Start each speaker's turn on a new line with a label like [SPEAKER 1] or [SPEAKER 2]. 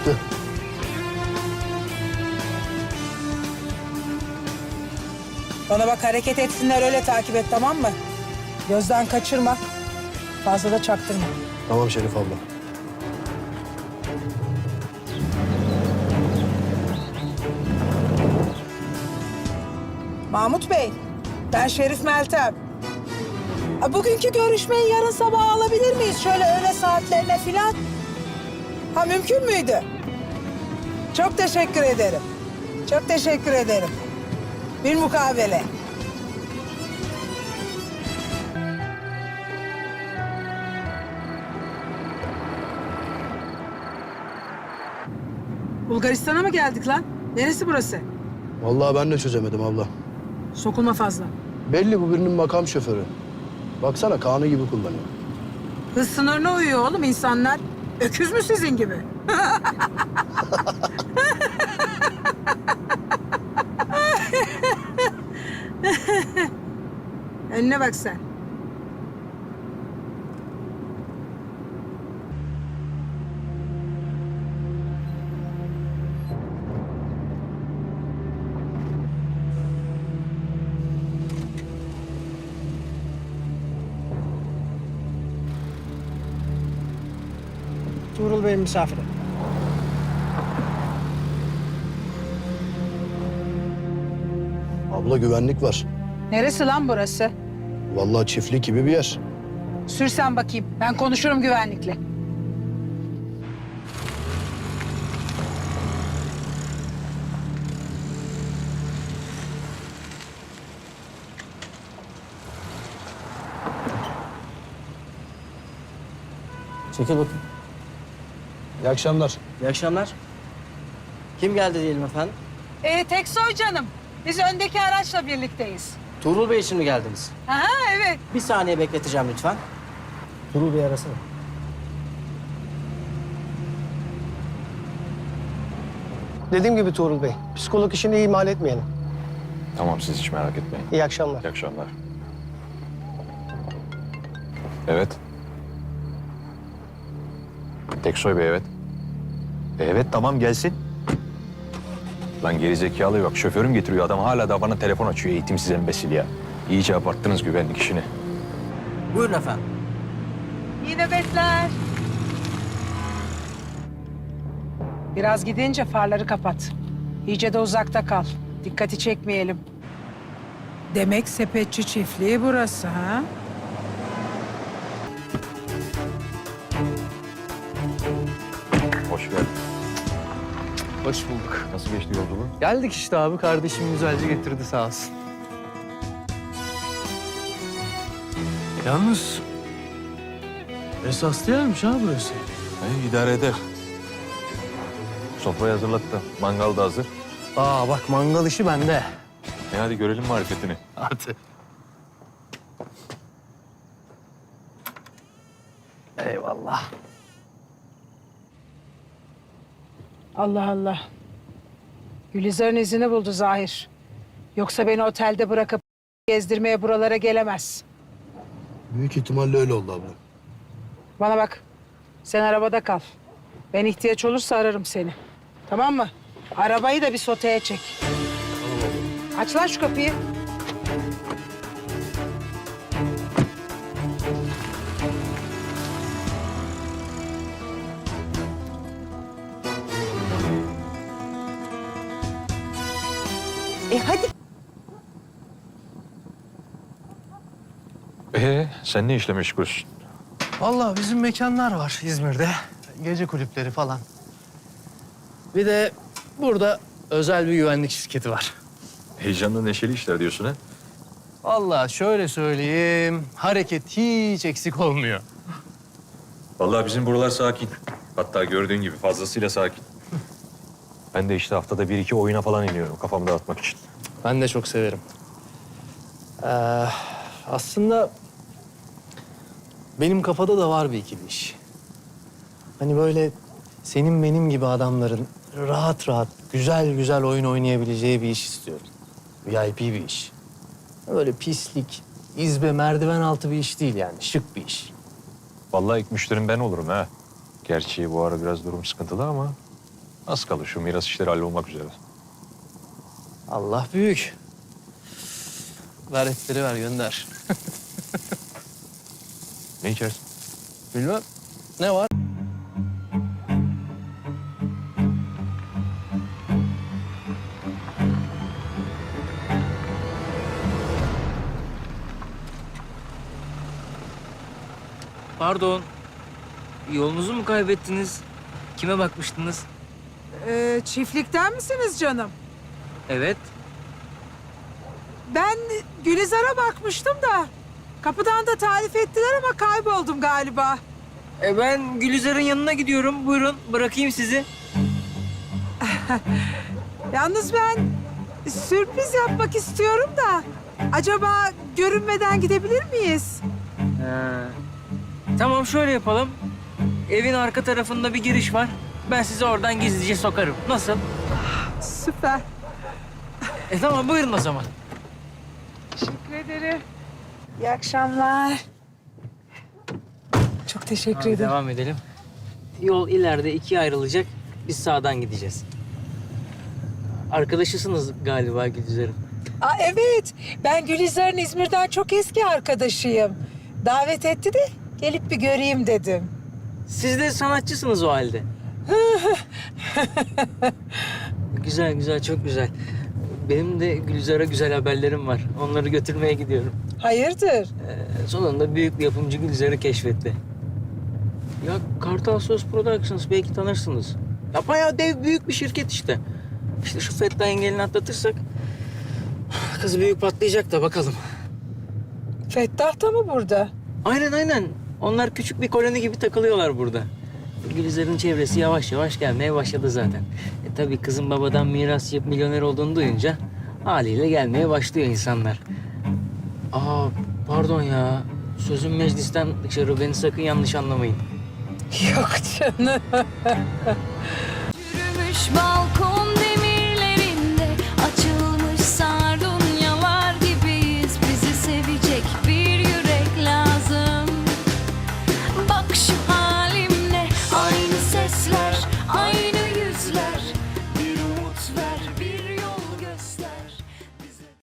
[SPEAKER 1] Çıktı.
[SPEAKER 2] Bana bak, hareket etsinler, öyle takip et, tamam mı? Gözden kaçırma. Fazla da çaktırma.
[SPEAKER 1] Tamam Şerif abla.
[SPEAKER 2] Mahmut Bey, ben Şerif Meltem. Bugünkü görüşmeyi yarın sabah alabilir miyiz? Şöyle öğle saatlerine filan. Ha, mümkün müydü? Çok teşekkür ederim. Çok teşekkür ederim. Bir mukabele. Bulgaristan'a mı geldik lan? Neresi burası?
[SPEAKER 1] Vallahi ben de çözemedim abla.
[SPEAKER 2] Sokulma fazla.
[SPEAKER 1] Belli bu birinin makam şoförü. Baksana Kaan'ı gibi kullanıyor.
[SPEAKER 2] Hız sınırına uyuyor oğlum insanlar. Öküz mü sizin gibi? Önüne bak sen.
[SPEAKER 3] Tuğrul Bey'in misafiri.
[SPEAKER 1] Abla güvenlik var.
[SPEAKER 2] Neresi lan burası?
[SPEAKER 1] Vallahi çiftlik gibi bir yer.
[SPEAKER 2] Sür sen bakayım. Ben konuşurum güvenlikle.
[SPEAKER 3] Çekil bakayım.
[SPEAKER 1] İyi akşamlar.
[SPEAKER 3] İyi akşamlar. Kim geldi diyelim efendim?
[SPEAKER 2] Teksoy canım. Biz öndeki araçla birlikteyiz.
[SPEAKER 3] Tuğrul Bey için mi geldiniz?
[SPEAKER 2] Aha, evet.
[SPEAKER 3] Bir saniye bekleteceğim lütfen. Tuğrul Bey arasana.
[SPEAKER 4] Dediğim gibi Tuğrul Bey, psikolog işini ihmal etmeyelim.
[SPEAKER 5] Tamam siz hiç merak etmeyin.
[SPEAKER 4] İyi akşamlar.
[SPEAKER 5] İyi akşamlar. Evet. Teksoy Bey evet. Evet tamam gelsin. Lan gerizekalı yok. Şoförüm getiriyor. Adam hala da bana telefon açıyor. Eğitimsiz embesil ya. İyice abarttınız güvenlik işini.
[SPEAKER 3] Buyurun efendim.
[SPEAKER 2] İyi nöbetler. Biraz gidince farları kapat. İyice de uzakta kal. Dikkati çekmeyelim. Demek sepetçi çiftliği burası ha?
[SPEAKER 5] Hoş geldin.
[SPEAKER 6] Hoş bulduk.
[SPEAKER 5] Nasıl geçti yolculuğun?
[SPEAKER 6] Geldik işte abi. Kardeşim güzelce getirdi sağ olsun. Yalnız esaslı yermiş ha burası.
[SPEAKER 5] İdare eder. Sofrayı hazırlattım. Mangal da hazır.
[SPEAKER 6] Aa bak mangal işi bende.
[SPEAKER 5] Hadi görelim marifetini.
[SPEAKER 6] Hadi. Eyvallah.
[SPEAKER 2] Allah Allah. Gülizar'ın izini buldu Zahir. Yoksa beni otelde bırakıp gezdirmeye buralara gelemez.
[SPEAKER 1] Büyük ihtimalle öyle oldu abla.
[SPEAKER 2] Bana bak. Sen arabada kal. Ben ihtiyaç olursa ararım seni. Tamam mı? Arabayı da bir soteye çek. Aç lan şu kapıyı. Hadi.
[SPEAKER 5] Sen ne işle meşgulsün?
[SPEAKER 6] Vallahi bizim mekanlar var İzmir'de. Gece kulüpleri falan. Bir de burada özel bir güvenlik şirketi var.
[SPEAKER 5] Heyecanlı neşeli işler diyorsun ha?
[SPEAKER 6] Vallahi şöyle söyleyeyim, hareket hiç eksik olmuyor.
[SPEAKER 5] Vallahi bizim buralar sakin. Hatta gördüğün gibi fazlasıyla sakin. Ben de işte haftada bir iki oyuna falan iniyorum kafamı dağıtmak için.
[SPEAKER 6] Ben de çok severim. Aslında benim kafada da var bir ikili iş. Hani böyle senin benim gibi adamların rahat rahat, güzel güzel oyun oynayabileceği bir iş istiyorum. VIP bir iş. Böyle pislik, izbe, merdiven altı bir iş değil yani. Şık bir iş.
[SPEAKER 5] Vallahi ilk müşterim ben olurum ha. Gerçi bu ara biraz durum sıkıntılı ama Az kalır şu miras işleri hallolmak üzere.
[SPEAKER 6] Allah büyük. Ver etleri ver gönder.
[SPEAKER 5] Ne içersin?
[SPEAKER 6] Bilmem. Ne var?
[SPEAKER 7] Pardon. Yolunuzu mu kaybettiniz? Kime bakmıştınız?
[SPEAKER 2] Çiftlikten misiniz canım?
[SPEAKER 7] Evet.
[SPEAKER 2] Ben Gülizar'a bakmıştım da. Kapıdan da tarif ettiler ama kayboldum galiba.
[SPEAKER 7] Ben Gülizar'ın yanına gidiyorum. Buyurun bırakayım sizi.
[SPEAKER 2] Yalnız ben sürpriz yapmak istiyorum da. Acaba görünmeden gidebilir miyiz?
[SPEAKER 7] Ha. Tamam şöyle yapalım. Evin arka tarafında bir giriş var. Ben sizi oradan gizlice sokarım. Nasıl?
[SPEAKER 2] Süper.
[SPEAKER 7] Tamam buyurun o zaman.
[SPEAKER 2] Teşekkür ederim. İyi akşamlar. Çok teşekkür
[SPEAKER 7] Hadi
[SPEAKER 2] ederim.
[SPEAKER 7] devam edelim. Yol ileride ikiye ayrılacak. Biz sağdan gideceğiz. Arkadaşısınız galiba Gülizar'ın.
[SPEAKER 2] Evet, ben Gülizar'ın İzmir'den çok eski arkadaşıyım. Davet etti de gelip bir göreyim dedim.
[SPEAKER 7] Siz de sanatçısınız o halde. Güzel güzel, çok güzel. Benim de Gülizar'a güzel haberlerim var. Onları götürmeye gidiyorum.
[SPEAKER 2] Hayırdır?
[SPEAKER 7] Sonunda büyük bir yapımcı Gülizar'ı keşfetti. Ya Kartal Söz Productions belki tanırsınız. Ya bayağı dev büyük bir şirket işte. İşte şu Fettah engelini atlatırsak kız büyük patlayacak da bakalım.
[SPEAKER 2] Fettah da mı burada?
[SPEAKER 7] Aynen aynen. Onlar küçük bir koloni gibi takılıyorlar burada. Gülizar'ın çevresi yavaş yavaş gelmeye başladı zaten. Tabii kızın babadan miras yapıp milyoner olduğunu duyunca haliyle gelmeye başlıyor insanlar. Pardon ya. Sözüm meclisten dışarı, beni sakın yanlış anlamayın.
[SPEAKER 2] Yok canım.
[SPEAKER 8] Yürümüş balkonda